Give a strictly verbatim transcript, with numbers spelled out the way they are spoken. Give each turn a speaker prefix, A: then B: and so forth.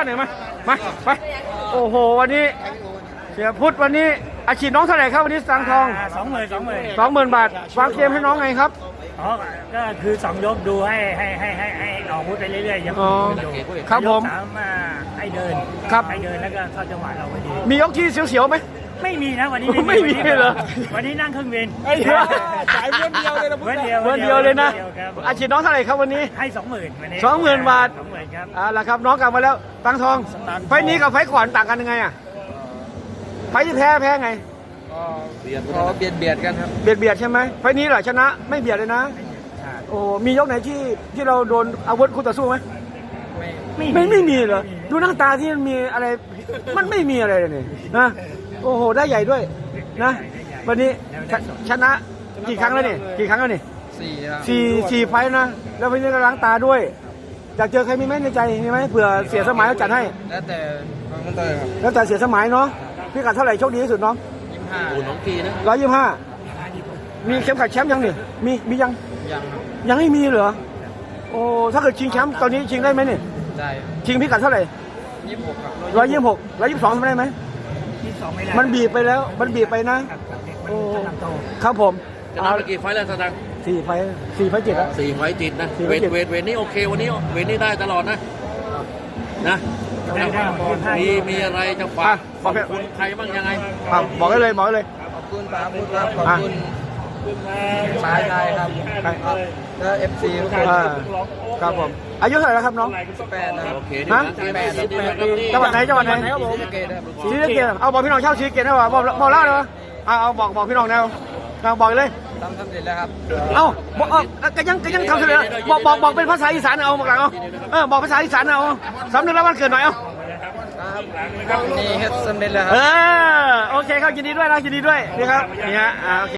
A: หน่อยมามาไปโอ้โหวันนี้เสียพุทธวันนี้อาชีพน้องเท่าไหร่ครับวันนี้สังทอง
B: สองหมื่นสองหมื่น
A: สองหมื่นบาทวางเกมให้น้องไงครับ
B: อ๋อก็คือสองยกดูให้ให้ให้ให้ให้ออกอาวุธไปเรื่อยๆยัง
A: อ๋อ
B: อยู่
A: ครับผม
B: ยกสามอ่าให้เดิน
A: ครับ
B: ให้เดินแล้วก็เข้าจังหวะเราพอดี
A: มียกที่เสียวๆไหม
B: ไม่มีนะวันนี้
A: ไม่มีเหรอ
B: วันนี้นั่งเครื่องบิน
A: ไอ้เหี้ย
C: จ่ายเพื่อนเดียวเลยนะ
B: เพื่อนเดียว
A: วันเดียวเลยนะ
B: ครับ
A: อาชีพน้องเท่าไหร่ครับวันนี้
B: ให้สองหมื่นวันนี้
A: สองหมื่นบาท
B: สองหมื่นครับ
A: อ่าละครับน้องกลับมาแล้วตังทองไฟล์นี้กับไฟล์ก่อนต่างกันยังไงอ่ะไฟล์ที่แพ้แพ้ไง
C: พอเบียดเบียดกันครับ
A: เบียดเบียดใช่ไหมไฟล์นี้เหรอชนะไม่เบียดเลยนะ โอ้มียกไหนที่ที่เราโดนอาวุธคู่ต่อสู้ไหม
C: ไม่
A: ไม่ไม่มีเหรอดูหน้าตาที่มันมีอะไรมันไม่มีอะไรเลยนี่นะโอ้โหได้ใหญ่ด้วยนะวันนี้ชชนะกี่ครั้งแล้วนี่กี่ครั้งแล้วนี่
C: สี่ครับ
A: สี่สี่ไฟล์นะแล้ววันนี้ก็ล้างตาด้วยอยากเจอใครมีไหมในใจมีไหมเผื่อเสียสมัยเขาจัดให้
C: แล้วแต่มันเตยครับ
A: แล้วแต่เสียสมัยเนาะพี่กัดเท่าไหร่โชคดีที่สุดน้อง
C: ยี่สิบห้า
D: โอ้น้องกีนะ
A: ร้อยยี่สิบห้ามีเข็มขัดแชมป์ยังนี่มีมียัง
C: ยังครับ
A: ยังไม่มีเหรอโอ้ถ้าเกิดชิงแชมป์ตอนนี้ชิงได้ไหมนี่
C: ได้
A: ชิงพิกัดเท่าไหร่
C: ยี่สิบหกครับ
A: ร้อยยี่สิบหกร้อยยี่สิบสองทำได้ไหม
B: ที่สองไม่ได้
A: มันบีบไปแล้วมันบีบไปนะ
B: ครับครับเด็กมัน
A: โอ้
B: กำลังโต
A: ครับผม
D: ชนะไปกี่ไฟล์แล้วสตังค์
A: สี่ไฟล์สี่ไฟล์เจ็ดแล้ว
D: สี่ไฟล์ติดนะ
A: สี่ไฟ
D: เว
A: ล์
D: ท
A: ติด
D: เวทเวทนี้โอเควันนี้เวทนี้ได้ตลอดนะนะ
B: ได้ได้ได้
D: มีมีอะไรจะฝากขอบคุณใครบ้างยังไง
A: ครับบอกได้เลยบอกได้เลย
C: ขอบคุณป๋าพุทธครับขอบคุณสายไทยครับแล้วเอฟซีทุกคน
A: อ่าครับผมอายุเท่าไหร่แล้วครับน้อง
C: สิบแปดนะครับ
D: โอเค
A: ฮะ
D: ดีนะดีดีนะครับดี
A: จังหวัดไหนจังหวัดไหน
C: ครับผมเกตครับ
A: ชีสะเกตเอาบอกพี่น้องเช่าชีสะเกตได้ป่ะบอกบอกเล่าเลยป่ะเอาเอาบอกบอกพี่น้องแนวเอาบอกเลย
C: ทำสำเร็จแล้วครับ
A: เอาบอกเอาก็ยังก็ยังทำเสร็จแล้วบอกบอกบอกเป็นภาษาอีสานเอาบอกหลังเอาเออบอกภาษาอีสานเอาสำนึกแล้ววันเกิดหน่อยเอา
C: ครับนี่เฮ็ดสำเร็จแล้วค
A: เอ
C: รับ
A: อโอเคครับยินดีด้วยนะยินดีด้วยนี่ครับนี่ฮะอ่าโอเค